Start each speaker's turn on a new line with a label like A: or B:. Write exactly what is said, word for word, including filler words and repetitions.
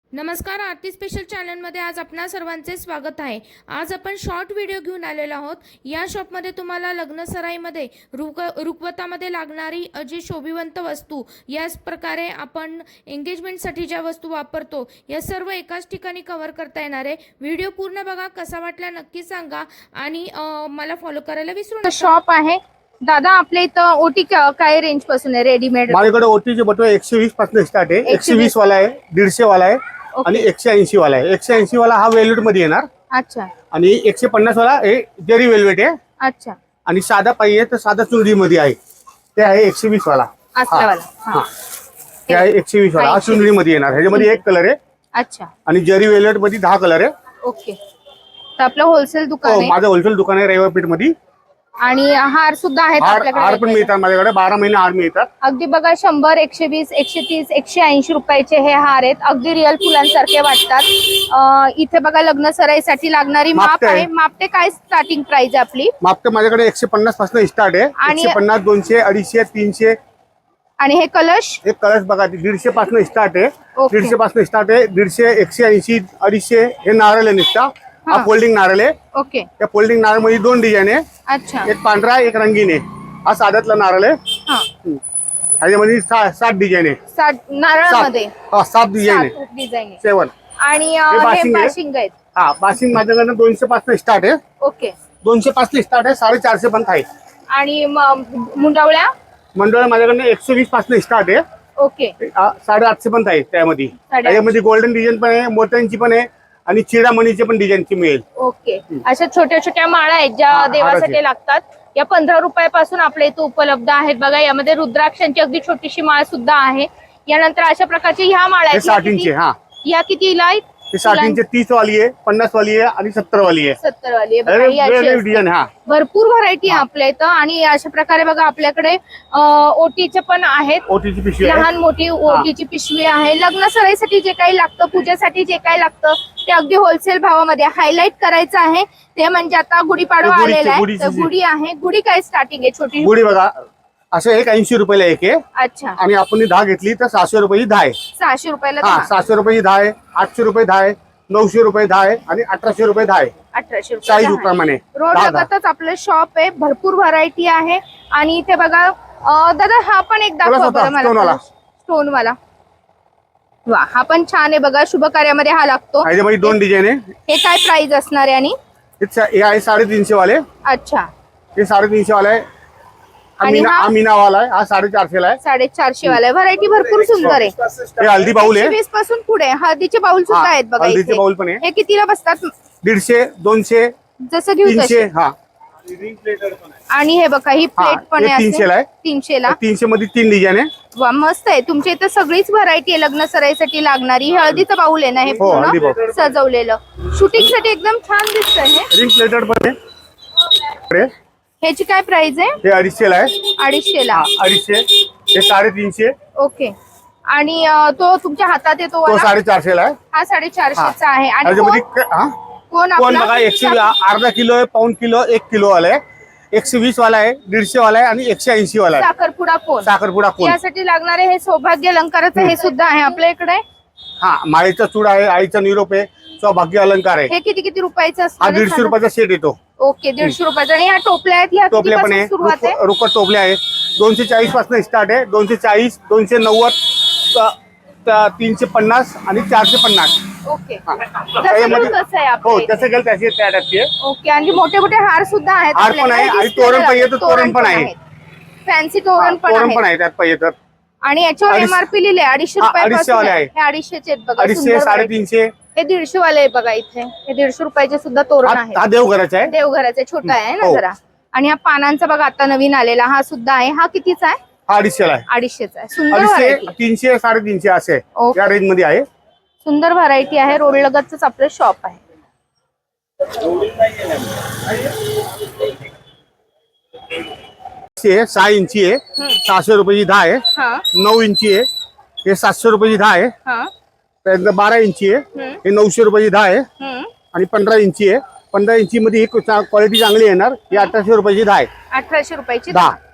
A: नमस्कार, आरती स्पेशल चॅनलमध्ये आज आपणा सर्वांचे स्वागत आहे। आज आपण शॉर्ट व्हिडिओ घेऊन आलेलो आहोत। या शॉपमध्ये तुम्हाला लग्न सराईमध्ये रुक रुकवतामध्ये लागणारी जी शोभिवंत वस्तू, याच प्रकारे आपण एंगेजमेंटसाठी ज्या वस्तू वापरतो या सर्व एकाच ठिकाणी कव्हर करता येणार आहे। व्हिडिओ पूर्ण बघा, कसा वाटला नक्की सांगा आणि मला फॉलो करायला विसरू नका।
B: शॉप आहे दादा, आपल्या इथं ओटी काय रेंज पासून आहे? रेडीमेड
C: माझ्याकडे ओटीचे बटवे एकशे वीस पासून स्टार्ट आहे। एकशे वीस वाला आहे, दीडशे वाला आहे आणि एकशे ऐंशी वाला आहे। एकशे ऐंशी वाला हा वेल्वेट मध्ये येणार।
B: अच्छा।
C: आणि एकशे पन्नास वाला हे जरी वेल्वेट आहे।
B: अच्छा।
C: आणि साधा पाहिजे तर साधा चुनरी मध्ये आहे, ते आहे एकशे वीस वाला।
B: असला वाला
C: हा, ते आहे एकशे वीस वाला। हा चुनरी मध्ये येणार, ह्याच्यामध्ये एक कलर आहे।
B: अच्छा।
C: आणि जरी वेल्वेट मध्ये दहा कलर आहे।
B: ओके, तर आपलं होलसेल दुकान आहे?
C: माझं होलसेल दुकान आहे रविवारपेठ मध्ये।
B: आणि हार सुद्धा आहेत आपल्याकडे?
C: हार पण मिळतात माझ्याकडे, बारा महिने हार मिळतात।
B: अगदी बघा, शंभर, एकशे वीस, एकशे तीस, एकशे ऐंशी रुपयाचे हे हार आहेत। अगदी रिअल फुलांसारखे वाटतात। इथे बघा लग्न सराईसाठी लागणारी माप आहे। मापटे काय स्टार्टिंग प्राइस आहे आपली?
C: मापटे माझ्याकडे एकशे पन्नास पासून स्टार्ट आहे। एकशे पन्नास, दोनशे, अडीचशे, तीनशे।
B: आणि हे कलश?
C: एक कलश बघा, दीडशे पासून स्टार्ट आहे। दीडशे पासून स्टार्ट आहे। दीडशे, एकशे ऐंशी, अडीचशे हे नारळ आहे निघता। हा फोल्डिंग नारळ आहे।
B: ओके।
C: त्या फोल्डिंग नारळ मध्ये दोन डिझाईन आहे।
B: अच्छा।
C: एक पांढरा, एक रंगीन आहे। हा साध्यातला नारळ आहे। ह्याच्यामध्ये सात डिझाईन आहे।
B: सात नारळामध्ये?
C: हा, सात डिझाईन आहे।
B: डिझाईन आहे।
C: सेवन।
B: आणि हे बाशिंग आहेत?
C: हा, बाशिंग माझ्याकडनं दोनशे पासून स्टार्ट आहे।
B: ओके।
C: दोनशे पासून स्टार्ट आहे, साडेचारशे पर्यंत आहे।
B: आणि मुंडावळ्या?
C: मंडळ माझ्याकडनं एकशे वीस पासून स्टार्ट आहे।
B: ओके।
C: साडेआठशे पर्यंत आहे त्यामध्ये। त्याच्यामध्ये गोल्डन डिझाईन पण आहे, मोत्यांची पण आहे आणि चिडामणीची पण डिझाईनची मिळेल।
B: ओके। अशा छोट्या छोट्या माळा आहेत ज्या देवासाठी लागतात, या पंधरा रुपयापासून आपल्या इथे उपलब्ध आहेत। बघा, यामध्ये रुद्राक्षांची अगदी छोटीशी माळ सुद्धा आहे। यानंतर अशा प्रकारची ह्या माळा आहेत,
C: साठ इंची। हा,
B: या कितीला आहेत?
C: साठ इंची, तीस वाली आहे, पन्नास वाली आहे आणि सत्तर वाली आहे।
B: सत्तर वाली आहे।
C: डिझाईन हा
B: भरपूर व्हरायटी आहे आपल्या इथं। आणि अशा प्रकारे बघा, आपल्याकडे ओटीचे पण आहेत।
C: ओटीची पिशवी,
B: लहान मोठी ओटीची पिशवी आहे। लग्न सराईसाठी जे काही लागतं, पूजेसाठी जे काही लागतं, ते अगदी होलसेल भावामध्ये हायलाइट करायचं आहे। ते म्हणजे आता गुढीपाडवा आलेला आहे, तर गुढी आहे। गुढी काय स्टार्टिंग आहे? छोटी
C: गुढी बघा, असं एक ऐंशी रुपयाला एक आहे।
B: अच्छा।
C: आणि आपण दहा घेतली तर सहाशे रुपयाची दहा आहे।
B: सहाशे रुपयाला?
C: हा, सहाशे रुपयाची दहा आहे, आठशे रुपये दहा आहे, नऊशे रुपये दहा आहे आणि अठराशे रुपये दहा आहे।
B: अठराशे रुपये
C: साईज प्रमाणे।
B: रोड लगतच आपलं शॉप आहे, भरपूर व्हरायटी आहे। आणि इथे बघा दादा, हा पण एक दाखवा बरं मला, स्टोन वाला। वा, हा पण छान आहे बघा, शुभ कार्यामध्ये हा लागतो।
C: ह्याच्यामध्ये दोन डिझाईन आहे।
B: हे काय प्राइस असणार आहे? आणि
C: हे आहे साडेतीनशे वाले।
B: अच्छा।
C: हे साडेतीनशे वाला आहे। अमीना वाला आहे, हा साडेचारशे ला आहे।
B: साडेचारशे वाला आहे। व्हरायटी भरपूर सुंदर आहे।
C: हे हल्दी बाउल आहे,
B: वीस पासून पुढे हळदीचे बाउल सुद्धा आहेत बघा।
C: हल्दीचे बाउल पण आहे।
B: हे कितीला बसतात?
C: दीडशे, दोनशे,
B: जसं घेऊ
C: तीनशे। हा,
B: आणि हे बघा, ही प्लेट पण आहे
C: तीनशे ला आहे।
B: तीनशे ला
C: तीनशे मध्ये तीन डिझाईन आहे।
B: वा, मस्त आहे। तुमच्या इथं सगळीच व्हरायटी आहे लग्न सराईसाठी लागणारी। हळदीचं बाउल आहे ना हे पूर्ण सजवलेलं, शूटिंग साठी एकदम छान दिसतंय। हे
C: रिंग प्लेटेड पण आहे।
B: ह्याची काय प्राइस आहे?
C: हे अडीचशे ला आहे।
B: अडीचशे ला?
C: अडीचशे। हे साडेतीनशे।
B: ओके। आणि तो तुमच्या हातात येतो
C: तो साडेचारशे ला आहे।
B: हा साडेचारशेचा आहे। आणि कोण
C: कोण बघा, एकशे अर्धा किलो आहे, पाऊन किलो, एक किलो वाला आहे, एकशे वीस वाला आहे, दीडशे वाला आहे आणि एकशे ऐंशी वाला आहे।
B: साखरपुडा कोण?
C: साखरपुडा कोण
B: यासाठी लागणारे हे सौभाग्य अलंकाराचं हे सुद्धा आहे आपल्या इकडे।
C: हा, माळेचा चूडा आहे, आईचा निरोप आहे, सौभाग्य अलंकार आहे।
B: हे किती किती रुपयाचं असतं?
C: हा, दीडशे रुपयाचा सेट येतो।
B: ओके, दीडशे रुपयाचा। आणि ह्या टोपल्या आहेत, ह्या
C: टोपल्या पण आहे,
B: सुरुवात आहे?
C: रुकट टोपल्या आहे, दोनशे चाळीस पासून स्टार्ट आहे। दोनशे चाळीस, दोनशे नव्वद, तीनशे पन्नास आणि चारशे पन्नास।
B: ओके।
C: हो, तसं गेलं त्याचे त्या टाईपचे।
B: ओके। आणि मोठे मोठे हार सुद्धा आहेत?
C: हार पण आहे आणि तोरण पाहिजे तर तोरण पण आहे,
B: फॅन्सी तोरण
C: तोरण पण आहे त्यात पाहिजे तर।
B: आणि याच्यावर एमआरपी लिहिले अडीचशे
C: अडीचशे वाले आहे।
B: हे अडीचशेचे आहेत बघा,
C: अडीचशे, साडेतीनशे।
B: हे दीडशे वाले आहे बघा। इथे हे दीडशे रुपयाचे सुद्धा तोरण आहे।
C: हा देवघराचा आहे,
B: देवघराचा छोटा आहे ना जरा। आणि हा पानांचा बघा आता नवीन आलेला हा सुद्धा आहे। हा कितीचा आहे?
C: हा अडीचशे ला आहे।
B: अडीचशेचा आहे। सुंदर
C: अडीचशे,
B: व्हरायटी,
C: तीनशे, साडेतीनशे असे या रेंज मध्ये आहे।
B: सुंदर व्हरायटी आहे। रोड लगतच आपलं शॉप आहे।
C: सहा इंची आहे, सहाशे रुपयाची दहा आहे। नऊ इंची आहे, हे सातशे रुपयाची दहा आहे। त्यानंतर बारा इंची आहे, हे नऊशे रुपयाची दहा आहे। आणि पंधरा इंची आहे, पंधरा इंची मध्ये ही क्वालिटी चांगली येणार, ही अठराशे रुपयाची दहा आहे।
B: अठराशे रुपयाची
C: दहा।